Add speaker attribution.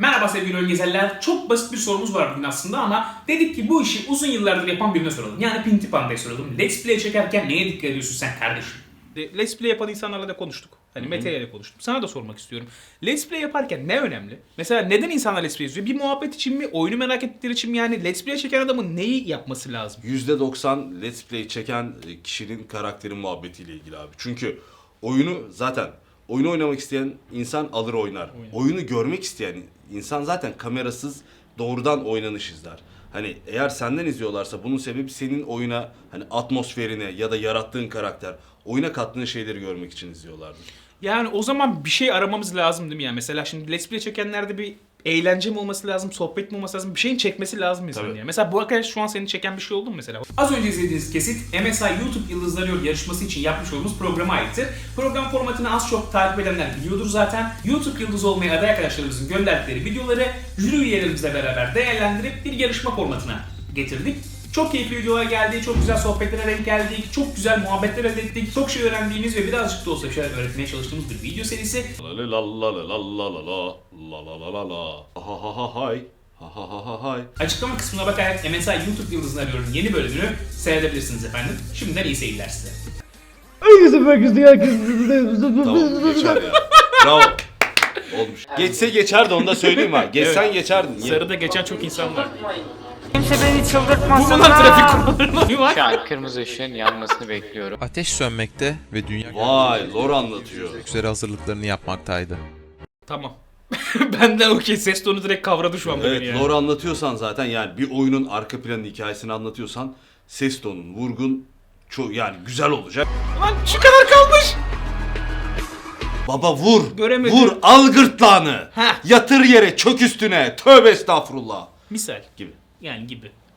Speaker 1: Merhaba sevgili oyun gezerler. Çok basit bir sorumuz var bugün aslında ama dedik ki bu işi uzun yıllardır yapan birine soralım. Yani Pinti Panda'ya soralım. Let's Play çekerken neye dikkat ediyorsun sen kardeşim? Let's Play yapan insanlarla da konuştuk. Hani Mete ile konuştum. Sana da sormak istiyorum. Let's Play yaparken ne önemli? Mesela neden insanlar Let's Play izliyor? Bir muhabbet için mi? Oyunu merak ettikleri için mi? Yani Let's Play çeken adamın neyi yapması lazım?
Speaker 2: %90 Let's Play çeken kişinin karakterin muhabbetiyle ilgili abi. Çünkü oyunu oynamak isteyen insan alır oynar. Oyunu görmek isteyen insan zaten kamerasız doğrudan oynanış izler. Hani eğer senden izliyorlarsa bunun sebebi senin oyuna hani atmosferine ya da yarattığın karakter, oyuna kattığın şeyleri görmek için izliyorlardır.
Speaker 1: Yani o zaman bir şey aramamız lazım değil mi? Yani mesela şimdi Let's Play çekenlerde bir eğlence mi olması lazım, sohbet mi olması lazım, bir şeyin çekmesi lazım insanın
Speaker 2: Tabii.
Speaker 1: yani. Mesela bu arkadaş şu an seni çeken bir şey oldu mu mesela? Az önce izlediğiniz kesit MSI YouTube Yıldızları yarışması için yapmış olduğumuz programa aittir. Program formatını az çok takip edenler biliyordur zaten. YouTube Yıldızı olmaya aday arkadaşlarımızın gönderdikleri videoları jüri üyelerimizle beraber değerlendirip bir yarışma formatına getirdik. Çok keyifli videolar geldi, çok güzel sohbetlere denk geldik, çok güzel muhabbetler elde ettik, çok şey öğrendiğimiz ve birazcık da olsa bir şeyler öğretmeye çalıştığımız bir video serisi.
Speaker 2: La la la la la la la la la la la la la ha ha ha hay ha ha ha ha hay.
Speaker 1: Açıklama kısmına bakarak MSI YouTube Yıldızını arıyorum yeni bölümünü seyredebilirsiniz efendim. Şimdiden iyi seyirler size.
Speaker 2: Tamam geçer ya. Bravo. Olmuş. Geçse geçerdi onu da söyleyeyim ha. Geçsen geçerdin.
Speaker 1: Sarıda geçen çok insan var.
Speaker 3: Kimse beni
Speaker 1: Bu
Speaker 3: çıldırtmasın
Speaker 1: bunlar trafik
Speaker 3: lan.
Speaker 1: kurallarına uymak.
Speaker 4: Şu an kırmızı ışığın yanmasını bekliyorum.
Speaker 5: Ateş sönmekte ve dünya
Speaker 2: Vay lore anlatıyor.
Speaker 5: üzere hazırlıklarını yapmaktaydı.
Speaker 1: Tamam. Benden okey, ses tonu direkt kavradı şu an beni
Speaker 2: Evet
Speaker 1: yani.
Speaker 2: lore anlatıyorsan zaten yani bir oyunun arka planı hikayesini anlatıyorsan ses tonun, vurgun çok yani güzel olacak.
Speaker 1: Lan şu kadar kalmış.
Speaker 2: Baba vur.
Speaker 1: Göremedim.
Speaker 2: Vur al gırtlağını.
Speaker 1: Heh.
Speaker 2: Yatır yere çök üstüne. Tövbe estağfurullah.
Speaker 1: Misal
Speaker 2: Gibi.
Speaker 1: yani gibi.